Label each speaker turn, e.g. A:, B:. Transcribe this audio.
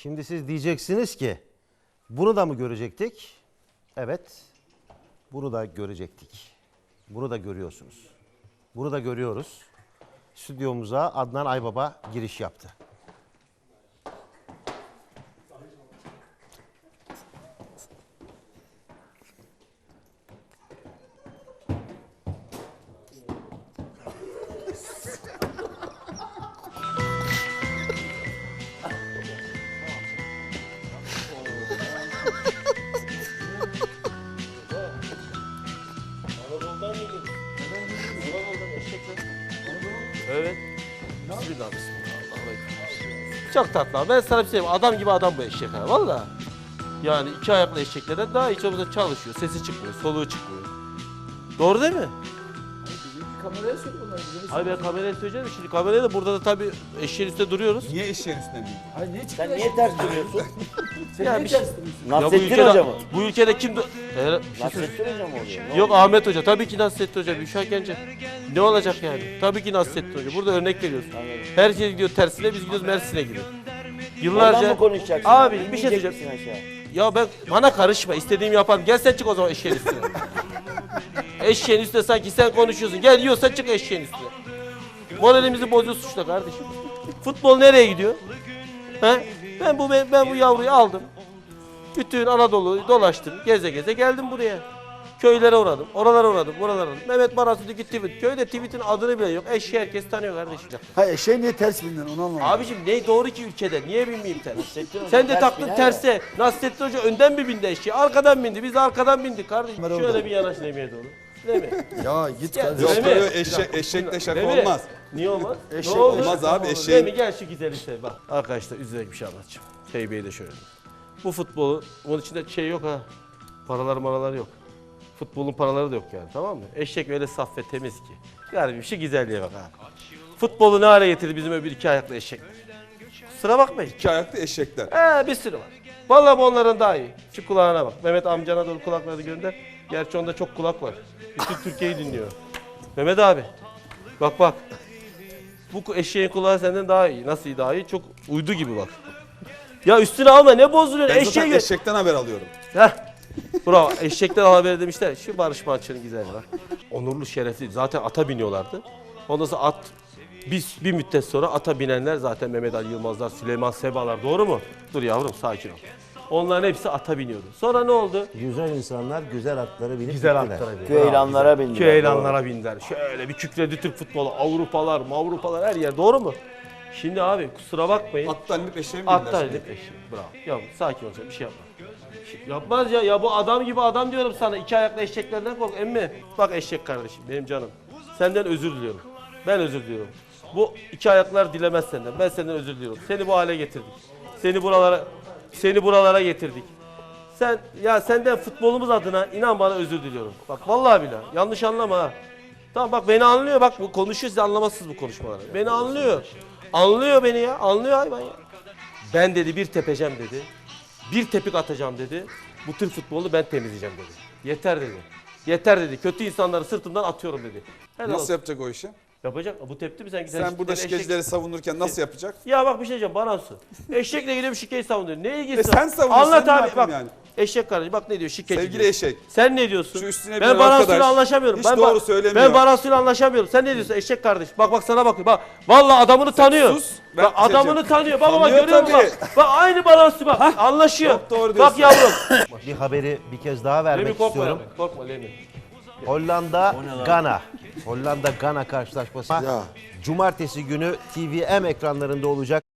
A: Şimdi siz diyeceksiniz ki bunu da mı görecektik? Evet. Bunu da görecektik. Bunu da görüyorsunuz. Bunu da görüyoruz. Stüdyomuza Adnan Aybaba giriş yaptı.
B: Evet. Bismillah, bismillah. Çok tatlı abi. Ben sana bir şey diyeyim. Adam gibi adam bu eşek ha. Valla. Yani iki ayaklı eşeklerden daha hiç olmazsa çalışıyor. Sesi çıkmıyor, soluğu çıkmıyor. Doğru değil mi?
C: Kameraya söyle bunları.
B: Hayır ben kameraya söyleyeceğim. Şimdi kameraya da burada da tabii eşeğin üstünde duruyoruz.
D: Niye eşeğin üstüne değil?
C: Hayır niye çıktı?
E: Sen niye ters duruyorsun?
C: Sen
B: Ya
C: niye
B: bir şey-
C: ters duruyorsun?
B: Ya bu
E: Nasrettin
B: ülkede,
E: Hoca mı?
B: bu ülkede kim...
E: Nasrettin Hoca mı oluyor?
B: Yok Ahmet Hoca. Tabii ki Nasrettin Hoca. Büşra Gence. Ne olacak yani? Tabii ki Nasrettin Hoca. Burada örnek veriyoruz. Her şey gidiyor tersine, biz gidiyoruz Mersin'e gidiyor.
E: Oradan
B: Yıllarca...
E: mı konuşacaksın?
B: Abi bir şey
E: İnmeyecek
B: söyleyeceğim.
E: misin aşağı?
B: Ya ben bana karışma. İstediğimi yaparım. Gel sen çık o zaman eşeğin üstüne. Eşeğin üstüne sanki sen konuşuyorsun. Gel yiyorsan çık eşeğin üstüne. Moralimizi bozuyorsun şurada kardeşim. Futbol nereye gidiyor? He? Ben bu yavruyu aldım. Bütün Anadolu'yu dolaştım. Geze geze geldim buraya. Köylere uğradım. Oralara uğradım. Buralara uğradım. Mehmet Barası'daki tweet. Köyde tweet'in adını bile yok. Eşeği herkes tanıyor kardeşim.
C: Hayır eşeğe niye ters bindin onu anlamadım.
B: Abicim ne doğru ki ülkede? Niye binmeyeyim ters?
E: Nasrettin Hoca
B: Sen de
E: ters
B: taktın
E: biner
B: terse. Nasrettin Hoca önden mi bindi eşeği? Arkadan bindi. Biz de arkadan bindik kardeşim.
C: Kamera
B: Şöyle
C: orada.
B: bir yanaş Lemi'ye doğru. Değil mi?
C: Ya git
B: Ya,
C: kardeşim.
D: Yok
B: Değil mi?
D: yok eşekle şaka
B: Değil mi?
D: olmaz.
B: Niye olmaz?
C: Eşek
B: Ne oldu?
D: olmaz abi,
B: Değil
D: eşeğin-
B: mi? Gel şu güzel işte bak. Arkadaşlar üzülerek bir şey anlatacağım. Teybe'yi de şöyle. Bu futbolu, onun içinde şey yok ha. Paralar yok. Futbolun paraları da yok yani, tamam mı? Eşek öyle saf ve temiz ki. Yani bir şey güzelliğe bak ha. Futbolu ne hale getirdi bizim öbür iki ayaklı eşek. Kusura bakmayın.
D: İki ayaklı eşekler.
B: Bir sürü var. Vallahi bu onların daha iyi. Şu kulağına bak. Mehmet amcana doğru kulakları gönder. Gerçi onda çok kulak var. Bütün Türkiye'yi dinliyor. Mehmet abi. Bak. Bu eşeğin kulağı senden daha iyi. Nasıl iyi daha iyi? Çok uydu gibi bak. Ya üstüne alma ne bozuluyorsun?
D: Ben zaten
B: Eşeğe
D: eşekten haber alıyorum.
B: Heh. Bravo. Eşekten haber demişler. Şu Barış Manço'nun güzelliği bak. Onurlu, şerefli. Zaten ata biniyorlardı. Ondan sonra at bir müddet sonra ata binenler zaten Mehmet Ali Yılmazlar, Süleyman Sebalar. Doğru mu? Dur yavrum sakin ol. Onların hepsi ata biniyordu. Sonra ne oldu?
A: Güzel insanlar güzel atları binip
B: Güzel
A: gittiler.
B: atlara bindi.
E: Köylanlara bindiler.
B: Köylanlara bindiler. Şöyle bir kükredi Türk futbolu. Avrupalar her yer. Doğru mu? Şimdi abi kusura bakmayın.
D: Attan inip eşeğe mi
B: Atlar
D: bindiler
B: edip eşek. Bravo. Ya sakin olacak bir şey yapma. Yapmaz ya. Ya bu adam gibi adam diyorum sana. İki ayaklı eşeklerden kork. Emmi bak eşek kardeşim benim canım. Senden özür diliyorum. Ben özür diliyorum. Bu iki ayaklar dilemez senden. Ben senden özür diliyorum. Seni bu hale getirdik. Seni buralara getirdik. Senden futbolumuz adına inan bana özür diliyorum. Bak vallahi billahi yanlış anlama ha. Tamam bak beni anlıyor bak bu konuşuyor siz anlamazsınız bu konuşmaları. Beni anlıyor. Anlıyor beni ya. Anlıyor hayvan ya. Ben dedi bir tepeceğim dedi. Bir tepik atacağım dedi. Bu Türk futbolunu ben temizleyeceğim dedi. Yeter dedi. Yeter dedi. Kötü insanları sırtımdan atıyorum dedi. Helal
D: Nasıl
B: olsun.
D: yapacak o işi?
B: Yapacak? Bu tepti mi sen?
D: Sen burada şikecileri savunurken nasıl yapacak?
B: Ya bak bir şey diyeceğim Baransu. Eşekle gidiyor şikeyi savunuyor. Ne ilgisi var?
D: sen savunuyorsun,
B: Anlat
D: ne
B: abi
D: yapayım
B: bak.
D: yani?
B: Eşek kardeşim bak ne diyor şikeci
D: Sevgili
B: diyor.
D: eşek.
B: Sen ne diyorsun?
D: Şu üstüne
B: ben
D: binen
B: Baransu'yla
D: arkadaş
B: anlaşamıyorum.
D: hiç
B: Ben
D: doğru söylemiyor.
B: Ben Baransu'yla anlaşamıyorum. Sen ne diyorsun eşek kardeş? Bak sana bakıyor. Bak vallahi adamını tanıyor.
D: sus, ben
B: Bak adamını
D: diyeceğim.
B: tanıyor. Bak ama
D: Tanıyor
B: görüyor musun
D: tabii.
B: bak. Bak aynı Baransu bak. Anlaşıyor.
D: Çok doğru
B: Bak
D: diyorsun.
B: yavrum.
A: Bir haberi bir kez daha vermek
B: Lemi korkma
A: istiyorum.
B: yani. Korkma Lemi.
A: Hollanda Gana. Hollanda Gana karşılaşması. Cumartesi günü TVM ekranlarında olacak.